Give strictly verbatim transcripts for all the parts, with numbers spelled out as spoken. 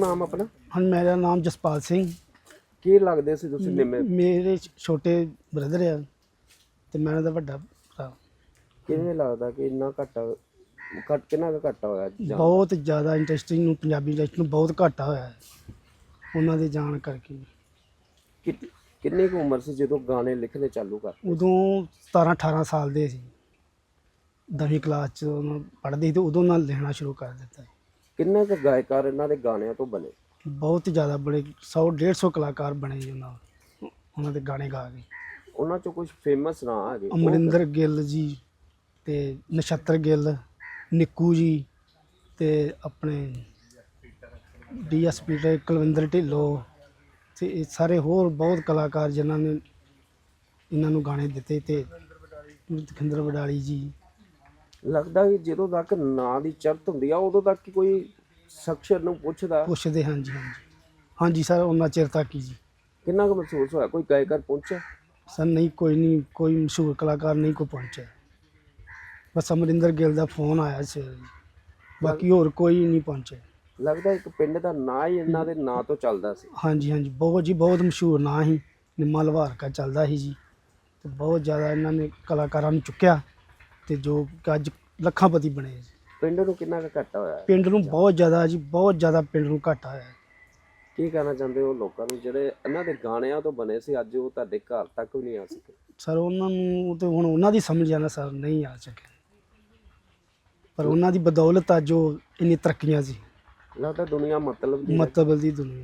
ਨਾਮ ਆਪਣਾ? ਹਾਂ, ਮੇਰਾ ਨਾਮ ਜਸਪਾਲ ਸਿੰਘ। ਕੀ ਲੱਗਦੇ ਸੀ ਤੁਸੀਂ ਨਿੰਮੇ? ਮੇਰੇ ਛੋਟੇ ਬ੍ਰਦਰ ਆ ਤੇ ਮੈਂ ਉਹਨਾਂ ਦਾ ਵੱਡਾ ਭਰਾ। ਕਿਵੇਂ ਲੱਗਦਾ ਕਿ ਇੰਨਾ ਘਾਟਾ ਘੱਟ ਕਿੰਨਾ ਕੁ ਘਾਟਾ ਹੋਇਆ ਜਾਂ ਬਹੁਤ ਜ਼ਿਆਦਾ ਇੰਡਸਟਰੀ ਨੂੰ, ਪੰਜਾਬੀ ਇੰਡਸਟਰੀ ਨੂੰ ਬਹੁਤ ਘਾਟਾ ਹੋਇਆ ਹੈ ਉਹਨਾਂ ਦੇ ਜਾਣ ਕਰਕੇ। ਕਿ- ਕਿੰਨੀ ਕੁ ਉਮਰ ਸੀ ਜਦੋਂ ਗਾਣੇ ਲਿਖਣੇ ਚਾਲੂ ਕਰ? ਉਦੋਂ ਸਤਾਰਾਂ ਅਠਾਰਾਂ ਸਾਲ ਦੇ ਸੀ, ਦਸਵੀਂ ਕਲਾਸ 'ਚ ਪੜ੍ਹਦੇ ਸੀ ਤੇ ਉਦੋਂ ਨਾਲ ਲਿਖਣਾ ਸ਼ੁਰੂ ਕਰ ਦਿੱਤਾ। ਕਿੰਨੇ ਕੁ ਗਾਇਕਾਰ ਇਹਨਾਂ ਦੇ ਗਾਣਿਆਂ ਤੋਂ ਬਣੇ? ਬਹੁਤ ਜ਼ਿਆਦਾ ਬੜੇ ਸੌ ਡੇਢ ਸੌ ਕਲਾਕਾਰ ਬਣੇ ਜੀ ਉਹਨਾਂ ਉਹਨਾਂ ਦੇ ਗਾਣੇ ਗਾ ਕੇ। ਉਹਨਾਂ ਚੋਂ ਕੁਝ ਫੇਮਸ ਨਾਂ ਹੈਗੇ? ਉਹ ਅਮਰਿੰਦਰ ਗਿੱਲ ਜੀ ਤੇ ਨਛੱਤਰ ਗਿੱਲ, ਨਿੱਕੂ ਜੀ ਤੇ ਆਪਣੇ ਡੀ ਐਸ ਪੀ ਤੇ ਕੁਲਵਿੰਦਰ ਢਿੱਲੋਂ ਤੇ ਇਹ ਸਾਰੇ ਹੋਰ ਬਹੁਤ ਕਲਾਕਾਰ ਜਿਨ੍ਹਾਂ ਨੇ ਇਹਨਾਂ ਨੂੰ ਗਾਣੇ ਦਿੱਤੇ ਤੇ ਖਿੰਦਰ ਵਡਾਲੀ ਜੀ। ਲੱਗਦਾ ਕਿ ਜਦੋਂ ਤੱਕ ਨਾਂ ਦੀ ਚਰਤ ਹੁੰਦੀ ਆ ਉਦੋਂ ਤੱਕ ਹੀ ਕੋਈ ਸ਼ਖਸ ਨੂੰ ਪੁੱਛਦਾ? ਪੁੱਛਦੇ ਹਾਂਜੀ ਹਾਂਜੀ ਹਾਂਜੀ ਸਰ, ਉਹਨਾਂ ਚਿਰ ਤੱਕ ਹੀ ਜੀ। ਕਿੰਨਾ ਕੁ ਮਹਿਸੂਸ ਹੋਇਆ? ਕੋਈ ਗਾਇਕਾਰ ਪਹੁੰਚਿਆ? ਸਰ ਨਹੀਂ, ਕੋਈ ਨਹੀਂ, ਕੋਈ ਮਸ਼ਹੂਰ ਕਲਾਕਾਰ ਨਹੀਂ ਕੋਈ ਪਹੁੰਚਿਆ। ਬਸ ਅਮਰਿੰਦਰ ਗਿੱਲ ਦਾ ਫੋਨ ਆਇਆ ਸੀ, ਬਾਕੀ ਹੋਰ ਕੋਈ ਨਹੀਂ ਪਹੁੰਚਿਆ। ਲੱਗਦਾ ਇੱਕ ਪਿੰਡ ਦਾ ਨਾਂ ਹੀ ਇਹਨਾਂ ਦੇ ਨਾਂ ਤੋਂ ਚੱਲਦਾ ਸੀ। ਹਾਂਜੀ ਹਾਂਜੀ, ਬਹੁਤ ਜੀ ਬਹੁਤ ਮਸ਼ਹੂਰ ਨਾਂ ਸੀ, ਨਿੰਮਾ ਲਵਾਰਕਾ ਚੱਲਦਾ ਸੀ ਜੀ। ਤੇ ਬਹੁਤ ਜ਼ਿਆਦਾ ਇਹਨਾਂ ਨੇ ਕਲਾਕਾਰਾਂ ਨੂੰ ਚੁੱਕਿਆ ਤੇ ਜੋ ਕਿ ਅੱਜ ਲੱਖਾਂਪਤੀ ਬਣੇ ਜੀ। ਪਿੰਡ ਨੂੰ ਕਿੰਨਾ ਕੁ ਘਾਟਾ ਹੋਇਆ? ਪਿੰਡ ਨੂੰ ਬਹੁਤ ਜ਼ਿਆਦਾ ਜੀ, ਬਹੁਤ ਜ਼ਿਆਦਾ ਪਿੰਡ ਨੂੰ ਘਾਟਾ ਹੋਇਆ। ਕੀ ਕਹਿਣਾ ਚਾਹੁੰਦੇ ਹੋ ਲੋਕਾਂ ਨੂੰ ਜਿਹੜੇ ਇਹਨਾਂ ਦੇ ਗਾਣਿਆਂ ਤੋਂ ਬਣੇ ਸੀ, ਅੱਜ ਉਹ ਤੁਹਾਡੇ ਘਰ ਤੱਕ ਵੀ ਨਹੀਂ ਆ ਸਕੇ? ਸਰ ਉਹਨਾਂ ਨੂੰ ਤੇ ਹੁਣ ਉਹਨਾਂ ਦੀ ਸਮਝ ਜਾਣਾ ਸਰ, ਨਹੀਂ ਆ ਸਕੇ, ਪਰ ਉਹਨਾਂ ਦੀ ਬਦੌਲਤ ਅੱਜ ਉਹ ਇੰਨੀ ਤਰੱਕੀਆਂ ਸੀ। ਲੱਗਦਾ ਦੁਨੀਆ ਮਤਲਬ ਦੀ ਮਤਲਬ ਦੀ ਦੁਨੀਆ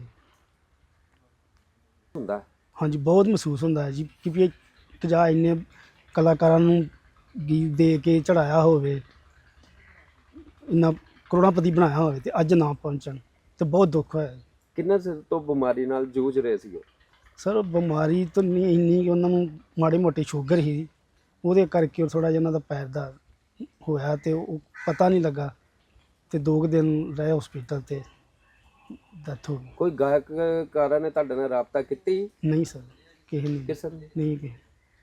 ਹੁੰਦਾ। ਹਾਂਜੀ, ਬਹੁਤ ਮਹਿਸੂਸ ਹੁੰਦਾ ਹੈ ਜੀ ਕਿ ਵੀ ਇੱਕ ਜਾਂ ਇੰਨੇ ਕਲਾਕਾਰਾਂ ਨੂੰ ਗੀਤ ਦੇ ਕੇ ਚੜਾਇਆ ਹੋਵੇ, ਇੰਨਾ ਕਰੋੜਾਪਤੀ ਬਣਾਇਆ ਹੋਵੇ ਤੇ ਅੱਜ ਨਾ ਪਹੁੰਚਣ ਤੇ ਬਹੁਤ ਦੁੱਖ ਹੋਇਆ। ਕਿੰਨੇ ਸਿਰ ਤੋਂ ਬਿਮਾਰੀ ਨਾਲ ਜੂਝ ਰਹੇ ਸੀ ਉਹ? ਸਰ ਬਿਮਾਰੀ ਤਾਂ ਨਹੀਂ ਇੰਨੀ ਕਿ ਉਹਨਾਂ ਨੂੰ ਮਾੜੀ ਮੋਟੀ ਸ਼ੂਗਰ ਸੀ, ਉਹਦੇ ਕਰਕੇ ਉਹ ਥੋੜ੍ਹਾ ਜਿਹਾ ਉਹਨਾਂ ਦਾ ਪੈਰ ਦਾ ਹੋਇਆ ਤੇ ਉਹ ਪਤਾ ਨਹੀਂ ਲੱਗਾ ਤੇ ਦੋ ਕੁ ਦਿਨ ਰਹੇ ਹਸਪੀਟਲ ਤੇ ਡੈਥ ਹੋ ਗਈ। ਕੋਈ ਗਾਇਕਕਾਰਾਂ ਨੇ ਤੁਹਾਡੇ ਨਾਲ ਰਾਬਤਾ ਕੀਤੀ? ਨਹੀਂ ਸਰ, ਕਿਸੇ ਨੇ ਕਿਸੇ ਨੇ? ਨਹੀਂ ਕਿਸੇ।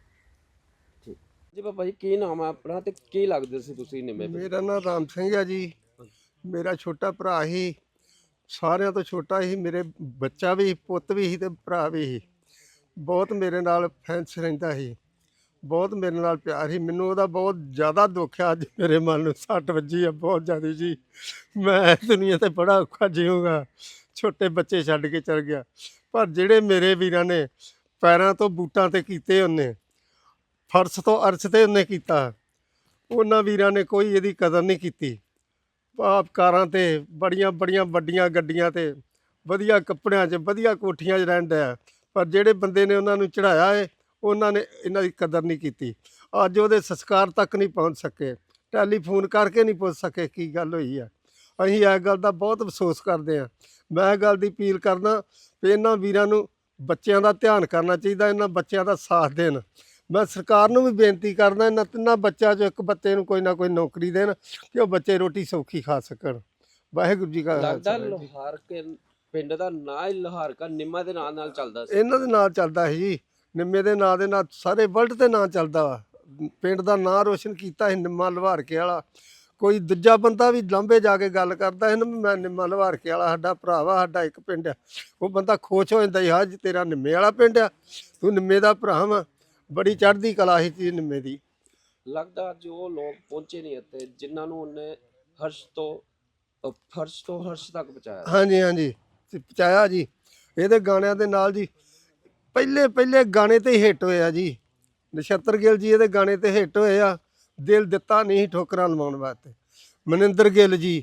ਠੀਕ ਜੀ। ਬਾਬਾ ਜੀ ਕੀ ਨਾਮ ਹੈ ਆਪਣਾ ਤੇ ਕੀ ਲੱਗਦੇ ਸੀ ਤੁਸੀਂ ਨਿੰਮੇ? ਮੇਰਾ ਨਾਮ ਰਾਮ ਸਿੰਘ ਹੈ ਜੀ। ਮੇਰਾ ਛੋਟਾ ਭਰਾ ਹੀ, ਸਾਰਿਆਂ ਤੋਂ ਛੋਟਾ ਹੀ। ਮੇਰੇ ਬੱਚਾ ਵੀ, ਪੁੱਤ ਵੀ ਸੀ ਤੇ ਭਰਾ ਵੀ ਸੀ। ਬਹੁਤ ਮੇਰੇ ਨਾਲ ਫੈਂਸ ਰਹਿੰਦਾ ਸੀ, ਬਹੁਤ ਮੇਰੇ ਨਾਲ ਪਿਆਰ ਸੀ। ਮੈਨੂੰ ਉਹਦਾ ਬਹੁਤ ਜ਼ਿਆਦਾ ਦੁੱਖ ਆ। ਅੱਜ ਮੇਰੇ ਮਨ ਨੂੰ ਸੱਟ ਵੱਜੀ ਆ ਬਹੁਤ ਜ਼ਿਆਦਾ ਜੀ। ਮੈਂ ਦੁਨੀਆ ਤੇ ਬੜਾ ਔਖਾ ਜੀਊਂਗਾ, ਛੋਟੇ ਬੱਚੇ ਛੱਡ ਕੇ ਚਲ ਗਿਆ। ਪਰ ਜਿਹੜੇ ਮੇਰੇ ਵੀਰਾਂ ਨੇ ਪੈਰਾਂ ਤੋਂ ਬੂਟਾਂ ਤੇ ਕੀਤੇ, ਉਹਨੇ ਫਰਸ਼ ਤੋਂ ਅਰਸ਼ ਤੇ ਉਹਨੇ ਕੀਤਾ, ਉਹਨਾਂ ਵੀਰਾਂ ਨੇ ਕੋਈ ਇਹਦੀ ਕਦਰ ਨਹੀਂ ਕੀਤੀ। ਆਪ ਕਾਰਾਂ ਤੇ ਬੜੀਆਂ ਬੜੀਆਂ ਵੱਡੀਆਂ ਗੱਡੀਆਂ ਤੇ ਵਧੀਆ ਕੱਪੜਿਆਂ 'ਚ ਵਧੀਆ ਕੋਠੀਆਂ 'ਚ ਰਹਿਣ ਡਿਆ, ਪਰ ਜਿਹੜੇ ਬੰਦੇ ਨੇ ਉਹਨਾਂ ਨੂੰ ਚੜ੍ਹਾਇਆ ਹੈ ਉਹਨਾਂ ਨੇ ਇਹਨਾਂ ਦੀ ਕਦਰ ਨਹੀਂ ਕੀਤੀ। ਅੱਜ ਉਹਦੇ ਸੰਸਕਾਰ ਤੱਕ ਨਹੀਂ ਪਹੁੰਚ ਸਕੇ, ਟੈਲੀਫੋਨ ਕਰਕੇ ਨਹੀਂ ਪੁੱਛ ਸਕੇ ਕੀ ਗੱਲ ਹੋਈ ਆ। ਅਸੀਂ ਇਸ ਗੱਲ ਦਾ ਬਹੁਤ ਅਫਸੋਸ ਕਰਦੇ ਹਾਂ। ਮੈਂ ਇਹ ਗੱਲ ਦੀ ਅਪੀਲ ਕਰਦਾ ਵੀ ਇਹਨਾਂ ਵੀਰਾਂ ਨੂੰ ਬੱਚਿਆਂ ਦਾ ਧਿਆਨ ਕਰਨਾ ਚਾਹੀਦਾ, ਇਹਨਾਂ ਬੱਚਿਆਂ ਦਾ ਸਾਥ ਦੇਣ। ਮੈਂ ਸਰਕਾਰ ਨੂੰ ਵੀ ਬੇਨਤੀ ਕਰਦਾ ਇਹਨਾਂ ਤਿੰਨਾਂ ਬੱਚਿਆਂ 'ਚੋਂ ਇੱਕ ਬੱਚੇ ਨੂੰ ਕੋਈ ਨਾ ਕੋਈ ਨੌਕਰੀ ਦੇਣ ਕਿ ਉਹ ਬੱਚੇ ਰੋਟੀ ਸੌਖੀ ਖਾ ਸਕਣ। ਵਾਹਿਗੁਰੂ ਜੀ ਕਾ ਲੱਗਦਾ ਲੋਹਾਰ ਕੇ ਪਿੰਡ ਦਾ ਨਾਂ ਹੀ ਲੋਹਾਰਕਾ ਨਿੰਮਾ ਦੇ ਨਾਂ ਨਾਲ ਚੱਲਦਾ ਸੀ। ਇਹਨਾਂ ਦੇ ਨਾਂ ਚੱਲਦਾ ਸੀ ਜੀ, ਨਿੰਮੇ ਦੇ ਨਾਂ ਦੇ ਨਾਲ ਸਾਰੇ ਵਰਲਡ ਤੇ ਨਾਂ ਚੱਲਦਾ ਵਾ। ਪਿੰਡ ਦਾ ਨਾਂ ਰੋਸ਼ਨ ਕੀਤਾ ਸੀ ਨਿੰਮਾ ਲਵਾਰਕੇ ਵਾਲਾ। ਕੋਈ ਦੂਜਾ ਬੰਦਾ ਵੀ ਲਾਂਭੇ ਜਾ ਕੇ ਗੱਲ ਕਰਦਾ ਸੀ ਨਾ, ਮੈਂ ਨਿੰਮਾ ਲਵਾਰਕੇ ਵਾਲਾ ਸਾਡਾ ਭਰਾ ਵਾ, ਸਾਡਾ ਇੱਕ ਪਿੰਡ ਆ, ਉਹ ਬੰਦਾ ਖੁਸ਼ ਹੋ ਜਾਂਦਾ ਸੀ, ਹਾਂ ਜੀ ਤੇਰਾ ਨਿੰਮੇ ਵਾਲਾ ਪਿੰਡ ਆ, ਤੂੰ ਨਿੰਮੇ ਦਾ ਭਰਾ ਵਾ। ਬੜੀ ਚੜ੍ਹਦੀ ਕਲਾ ਸੀ ਚੀਜ਼ ਨਿੰਮੇ ਦੀ। ਲੱਗਦਾ ਜੋ ਲੋਕ ਪਹੁੰਚੇ ਨਹੀਂ ਇੱਥੇ, ਜਿਨ੍ਹਾਂ ਨੂੰ ਉਹਨੇ ਹਰਸ਼ ਤੋਂ ਅਹ ਫਰਸ਼ ਤੋਂ ਹਰਸ਼ ਤੱਕ ਪਹੁੰਚਾਇਆ। ਹਾਂਜੀ ਹਾਂਜੀ ਤੇ ਪਹੁੰਚਾਇਆ ਜੀ। ਇਹਦੇ ਗਾਣਿਆਂ ਦੇ ਨਾਲ ਜੀ ਪਹਿਲੇ ਪਹਿਲੇ ਗਾਣੇ ਤੇ ਹੀ ਹਿੱਟ ਹੋਏ ਆ ਜੀ। ਨਛੱਤਰ ਗਿੱਲ ਜੀ ਇਹਦੇ ਗਾਣੇ ਤੇ ਹਿੱਟ ਹੋਏ ਆ। ਦਿਲ ਦਿੱਤਾ ਨਹੀਂ ਠੋਕਰਾਂ ਲਵਾਉਣ ਵਾਸਤੇ। ਮਨਿੰਦਰ ਗਿੱਲ ਜੀ,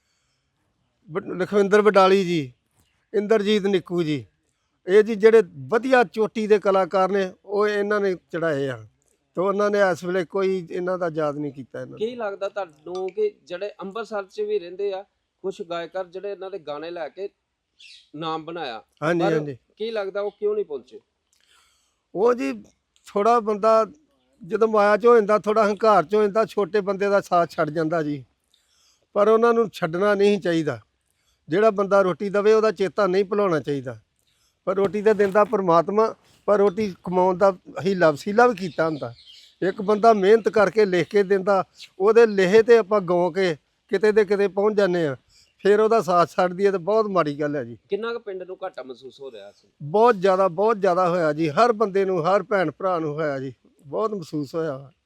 ਲਖਵਿੰਦਰ ਵਡਾਲੀ ਜੀ, ਇੰਦਰਜੀਤ ਨਿੱਕੂ ਜੀ, ਇਹ ਜੀ ਜਿਹੜੇ ਵਧੀਆ ਚੋਟੀ ਦੇ ਕਲਾਕਾਰ ਨੇ, ਉਹ ਇਹਨਾਂ ਨੇ ਚੜਾਏ ਆ ਤੇ ਉਹਨਾਂ ਨੇ ਇਸ ਵੇਲੇ ਕੋਈ ਇਹਨਾਂ ਦਾ ਯਾਦ ਨਹੀਂ ਕੀਤਾ। ਇਹਨਾਂ ਕੀ ਲੱਗਦਾ ਤੁਹਾਨੂੰ ਕਿ ਜਿਹੜੇ ਅੰਮ੍ਰਿਤਸਰ 'ਚ ਵੀ ਰਹਿੰਦੇ ਆ ਕੁਝ ਗਾਇਕਾਰ ਜਿਹੜੇ ਇਹਨਾਂ ਦੇ ਗਾਣੇ ਲੈ ਕੇ ਨਾਮ ਬਣਾਇਆ, ਹਾਂਜੀ ਹਾਂਜੀ, ਕੀ ਲੱਗਦਾ ਉਹ ਕਿਉਂ ਨਹੀਂ ਪਹੁੰਚੇ? ਉਹ ਜੀ ਥੋੜਾ ਬੰਦਾ ਜਦੋਂ ਮਾਇਆ 'ਚ ਹੋ ਜਾਂਦਾ, ਥੋੜਾ ਹੰਕਾਰ 'ਚ ਹੋ ਜਾਂਦਾ, ਛੋਟੇ ਬੰਦੇ ਦਾ ਸਾਥ ਛੱਡ ਜਾਂਦਾ ਜੀ। ਪਰ ਉਹਨਾਂ ਨੂੰ ਛੱਡਣਾ ਨਹੀਂ ਚਾਹੀਦਾ। ਜਿਹੜਾ ਬੰਦਾ ਰੋਟੀ ਦੇਵੇ ਉਹਦਾ ਚੇਤਾ ਨਹੀਂ ਭੁਲਾਉਣਾ ਚਾਹੀਦਾ। ਪਰ ਰੋਟੀ ਤਾਂ ਦਿੰਦਾ ਪਰਮਾਤਮਾ, ਪਰ ਰੋਟੀ ਕਮਾਉਣ ਦਾ ਹੀਲਾ ਵਸੀਲਾ ਵੀ ਕੀਤਾ ਹੁੰਦਾ। ਇੱਕ ਬੰਦਾ ਮਿਹਨਤ ਕਰਕੇ ਲਿਖ ਕੇ ਦਿੰਦਾ, ਉਹਦੇ ਲਿਖੇ ਤੇ ਆਪਾਂ ਗਾਉ ਕੇ ਕਿਤੇ ਦੇ ਕਿਤੇ ਪਹੁੰਚ ਜਾਂਦੇ ਹਾਂ। ਫਿਰ ਉਹਦਾ ਸਾਥ ਛੱਡ ਦਈਏ ਤਾਂ ਬਹੁਤ ਮਾੜੀ ਗੱਲ ਹੈ ਜੀ। ਕਿੰਨਾ ਕੁ ਪਿੰਡ ਨੂੰ ਘਾਟਾ ਮਹਿਸੂਸ ਹੋ ਰਿਹਾ ਸੀ? ਬਹੁਤ ਜ਼ਿਆਦਾ ਬਹੁਤ ਜ਼ਿਆਦਾ ਹੋਇਆ ਜੀ, ਹਰ ਬੰਦੇ ਨੂੰ, ਹਰ ਭੈਣ ਭਰਾ ਨੂੰ ਹੋਇਆ ਜੀ, ਬਹੁਤ ਮਹਿਸੂਸ ਹੋਇਆ।